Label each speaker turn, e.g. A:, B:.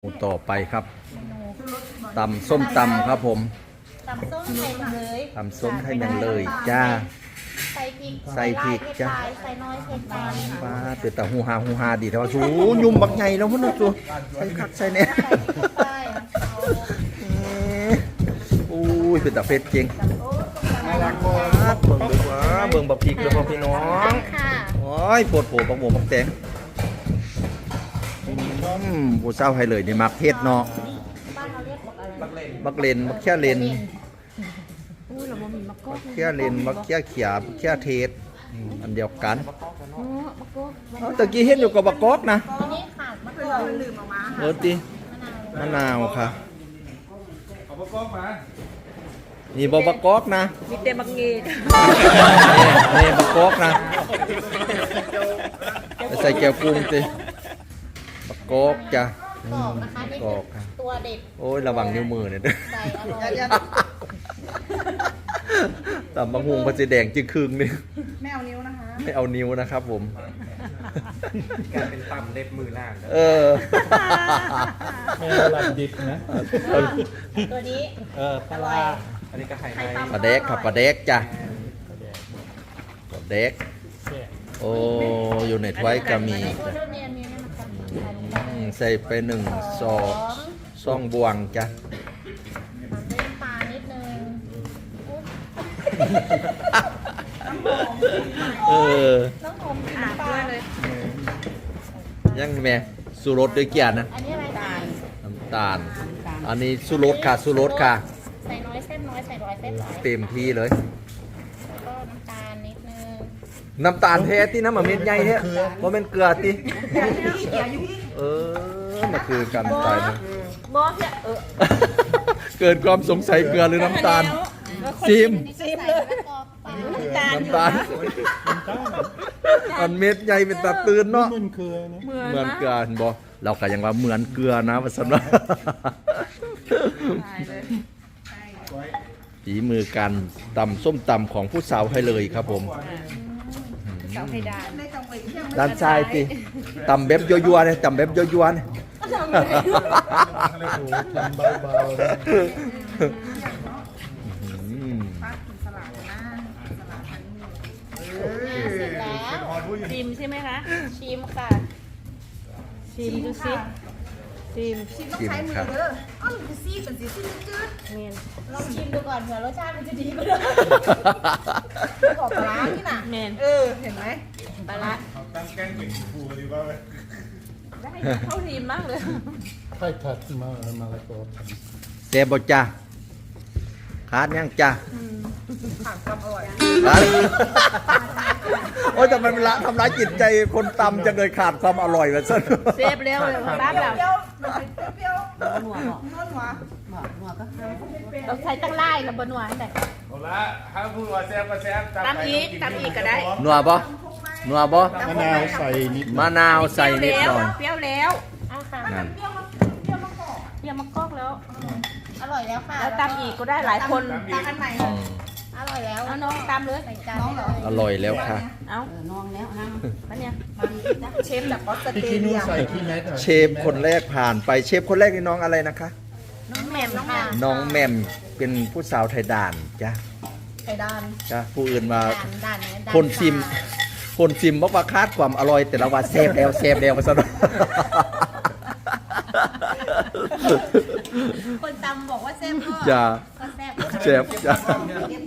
A: ต่อไปครับตำส้มตำครับผม
B: ตำส้มไทยมันเลย
A: ตำส้มไทยมันเลยจ้า
B: ใส่พริก
A: ใส่พริกจ้ะ
B: ใส่น้อยใส่ปลาย
A: ป้าเตือนแต่ฮูฮาดีแต่ว่าสูยุ่มบักใหญ่แล้วพุ่นนะสูใส่คักใส่เนี่ย
B: ใส่พริกเข้าไปเอา
A: อุ้ยเป็นตาเฟ็ดจริงเบิ่งดูว่าเบิ่งบักพริกเด้อพ่อพี่น้อง
B: ค่ะ
A: โอ้ยโปวดโผบักหมูบักแตงผู้เศร้าให้เลยนี่มักเทศเนาะ
B: บ้านเราเรียกอะไร
A: บักเลนบักแค่เลน
B: อุ้ยเราบ่มีมะกอก
A: แค่เลนบักแค่เขียบักแค่เทศอันเดียวกัน
B: อ๋อมะกอก
A: เอาตะกี้เห็นอยู่กับบักกอกนะ
B: อันนี้ขาดมะกอกลืมออกมา
A: เออติมะนาวค่ะ
C: เอาประกอบมา
A: นี่บ่บักกอกนะ
D: มีแต่บักเงีด
A: นี่บักกอกนะไปใส่แก้วกุ้งติบักกอกจ้ะ
B: กอกนะคะนี่
A: กอกค่ะ
B: ตัวเด็ด
A: โอ้ยระวังนิ้วมือเนี่ยเด้อ
B: ใส่อร่อย
A: ตำบักฮุงมันจะแดงจึงครึ่งนึง
D: ไม่เอานิ้วนะคะ
A: ไม่เอานิ้วนะครับผม
C: การเป็นตำเล็บมือล่าง
A: เออ
C: ไม่หลับดิบนะ
B: ตัวนี้
C: ปลาอันนี้ก็ไข่ไก่
A: ปลาแดกครับปลาแดกจ้ะปลาแดกโอ้อยู่ในถ้วยก็มี
B: ตัวเท่านี้อันนี้มันจะ
A: ใส่ไปซองบวงจ้ะ
B: ตามด้วยน้ำปลานิดนึงอุ๊ย
A: เออ
B: น้องหอมกิน
D: อาบ
B: น้ำปลา
D: ด้วยเลย
A: ยังแม่สุรสด้วยเกียร์นะ
B: อันนี้อะไรตาล
A: น้ำตาล อันนี้สุรสค่ะสุรสค่ะ
B: ใส่น้อยเส้นน้อยใส่ร้อยเส้นหลาย
A: เต็มที่เลย
B: แล้วก็น้ำตาลนิดนึง
A: น้ำตาลแท้ที่น้ำมันเม็ดใหญ่แท้ว่าเป็นเกลือติเออมันคือการตายนะ
D: บอสเนี่ย
A: เกิดความสงสัยเกลือหรือน้ำตาลซิม
B: ซิมเลยแล้วก็ปลา
A: น้ำตาลอันเม็ดใหญ่เป็นตาตื่นเนาะ
C: มันคือนะ
A: เหมือนเกลือเห็นบ่เราก็ยังว่าเหมือนเกลือนะว่าซั่นว่าฝีมือการตำส้มตำของผู้สาวให้เลยครับผม
D: เสาเพดาน
A: ด้านซ้ายติตำแบบยั่วๆเนี่ยตำแบบยั่วๆเนี่ย
C: อะไรโอ้ทำเบาๆนะ
A: อืม
B: เสร็จแล้ว
D: ชิมใช่ไหมคะ
B: ชิมค่ะ
D: ชิมดูสิชิม
A: ชิมครับ
D: เมียน
B: ลองชิมดูก่อนเผื่อรสชาติมันจะดีกว่าเดิมขอบปลาร้านี่น่ะ
D: เมียน
B: เห็นไหมปลาร้า
C: ตั้งแกงเป็นผูดีป่ะเว้ย
D: ได้เข้าทีมมากเลย
C: ไข่ถัดมาแล้วก็
A: แซ่บบ่จ้าขาดยังจ้า
D: ผักกับอร่อย
A: ขาดโอ้ยทำไมมันละทำร้ายจิตใจคนตำจังเลยขาดความอร่อยแบบนั้น
D: เซฟเร็วเลยร้านเราหนัวเราใช้ตั้งไล่กับบนหวานแต่
C: เอาละถ้าพูดว่าแซ่บก็แซ่บ
D: ตำอีกก็ได้
A: นัวบ่นัวบ่
C: มะนาวใส่นิด
A: มะนาวใส่นิดหน่อย
D: เปรี้ยวแล้ว
B: อ่ะค่ะ
A: นั่น
D: เปรี้ยวมะกอกแล้ว
B: อร่อยแล้วค่ะ
D: แล้วตำอีกก็ได้หลายคน
B: ตำอันใหม่
A: อืม
B: อร่อยแล้ว
D: เอาน้องตำเลย
B: ใส่จานได้เลย
A: อร่อยแล้วค่ะ
D: เอาน้องแล้วนะอันเนี้ยเชฟจากออสเตร
C: พี่
D: เลี
C: กี้นู้
D: ย
C: ใส่ที่เม็ด
A: เชฟคนแรกผ่านไปเชฟคนแรกนี่น้องอะไรนะคะ
B: น้องแหม่มค่ะ
A: น้องแหม่มเป็นผู้สาวไทยด่านจ้ะ
B: ไข่ดาน
A: จ้ะผู้อื่นมา
B: ด่านเนี่ยด่า
A: คนซิมคนซิมบอกว่าคาดความอร่อย แต่ละว่าเซฟแล้วมาซะหน่อย
B: คนตำบอกว่าแซ่บก็
A: จ้ะ
B: ก็แซ่บ
A: เชฟจ้ะ
B: เรียบ